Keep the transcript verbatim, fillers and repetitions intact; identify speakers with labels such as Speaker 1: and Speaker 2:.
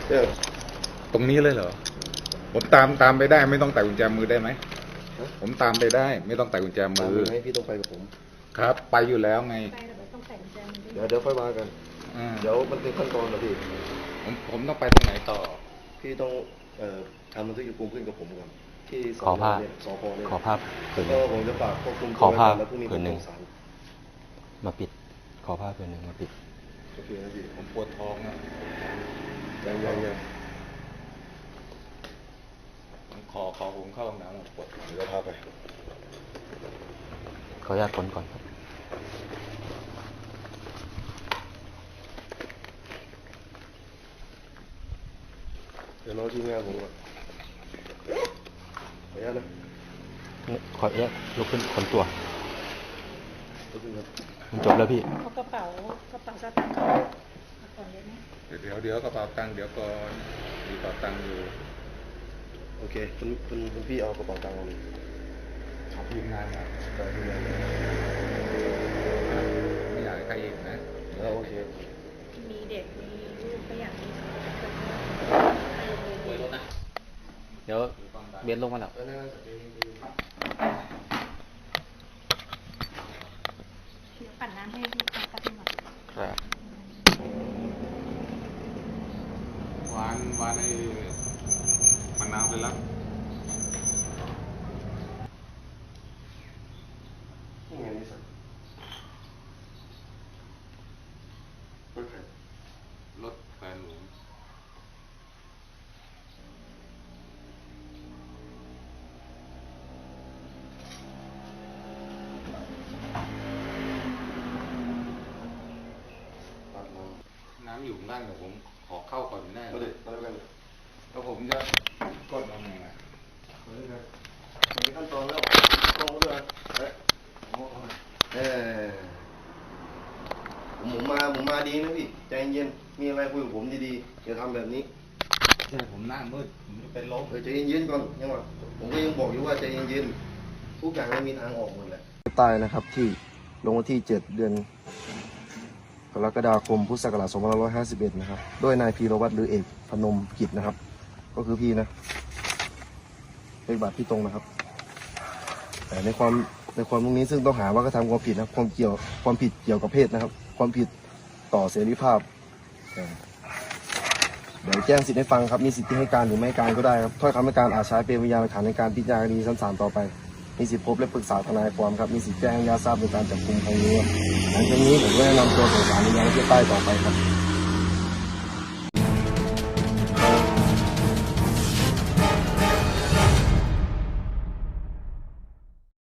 Speaker 1: เออ
Speaker 2: ตรงนี้เลยเหรอผมตามตามไปได้ไม่ต้องไต่กุญแจมือได้ไหมผมตามไปได้ไม่ต้องไต่กุญแจมือ
Speaker 1: ให้พี่ต้องไปกับผม
Speaker 2: ครับไปอยู่แล้วไง
Speaker 1: เดี๋ยวเดี๋ยวค่อยมากันเดี๋ยวมันเป็นขั้นตอนนะพี่
Speaker 2: ผมผมต้องไปตรงไหนต่อ
Speaker 1: พี่ต้องเอ่อทำบันทึกจับกุมขึ้นกับผมก่อนที่
Speaker 3: ขอภาพ
Speaker 1: สพเนี่ย
Speaker 3: ขอภาพผืนห
Speaker 1: นึ่งผมจะฝากควบคุม
Speaker 3: ขอภาพ
Speaker 1: แล้วพรุ่งนี้
Speaker 3: ผืนหนึ่ง
Speaker 1: ศาล
Speaker 3: มาปิดขอภาพผืนหนึ่งมาปิด
Speaker 1: โอเคนะพี่
Speaker 2: ผมปวดท้องนะ
Speaker 1: ยังยังยัง
Speaker 2: ขอขอผมเข้าห้องน้ำปวด
Speaker 1: เดี๋ยวพาไป
Speaker 3: ขออนุญาตค้นก่อนครับ
Speaker 1: เดี๋ยวน้องทีมงานผมก่อนขออนุญาตนะ
Speaker 3: ขออนุญาตลุกขึ้นคนตัว
Speaker 1: ลุกขึ้นครับ
Speaker 3: มันจบแล้วพี่
Speaker 4: เขากระเป๋ากระเป๋าสตางค์เขาก่อนเลยไหม
Speaker 2: เดี๋ยวเดี๋ยวกระเป๋าตังค์เดี๋ยวก่อนมีกระเป๋าตังค์อยู่
Speaker 1: โอเคคุณคุณคุณพี่เอากระเป๋าตังค์เอาเลย
Speaker 2: ขอทีมงานนะ
Speaker 1: ได้ทีมงาน
Speaker 2: ไม่อยากให้ใครเห็นนะ
Speaker 1: แล้วโอเค
Speaker 4: มีเด็กมีลูกก็อยากมีไปโรงเรียนนะ
Speaker 3: เดี๋ยวเบียนลงมาแล้ว
Speaker 4: เดี๋ยวปั่นน้ำให้พี่พักกันหน่อย
Speaker 3: ครับ
Speaker 2: วานวานไอ้มันน้ำไปแล้ว
Speaker 1: นี่ไงนี่สักรถใคร
Speaker 2: รถแฟนผมน้ำอยู่ด้านกับผมขอเข้าก่อนแน่
Speaker 1: เลยแล้วกัน
Speaker 2: แล้วผมจะกดยังไงอ่ะ
Speaker 1: มีขั้นตอนแล้วตรงด้วยเอ๊ะเออผมมาผมมาดีนะพี่ใจเย็นมีอะไรคุยกับผมดีๆอย่าทำแบบนี้
Speaker 2: ใช่ผมหน้ามืดผมจะเป็นลม
Speaker 1: เออใจเย็นๆก่อนยังว่าผมก็ยังบอกอยู่ว่าใจเย็นๆทุกอย่างมันมีทางออกหมดแหละตายนะครับที่ลงวันที่เจ็ดเดือนกรกฎาคมพุทธศักราชสองพันห้าร้อยห้าสิบเอ็ดนะครับด้วยนายพีรวัตรหรือเอกพนมกิจนะครับก็คือพี่นะเลขบัตรพี่ตรงนะครับแต่ในความในความตรงนี้ซึ่งต้องหาว่ากระทำความผิดนะความเกี่ยวความผิดเกี่ยวกับเพศนะครับความผิดต่อเสรีภาพเดี๋ยวแจ้งสิทธิ์ให้ฟังครับมีสิทธิ์ที่ให้การหรือไม่ให้การก็ได้ครับถ้อยคำให้การอาจใช้เป็นพยานหลักฐานในการพิจารณาคดีชั้นศาลต่อไปมีสิทธิ์พบและปรึกษาทนายความครับมีสิทธิ์แจ้งญาติทราบในการจับกุมครั้งนี้หลังจากนี้ผมก็แนะนำตัวส่งสารในยังประเทศใต้ต่อไปครับ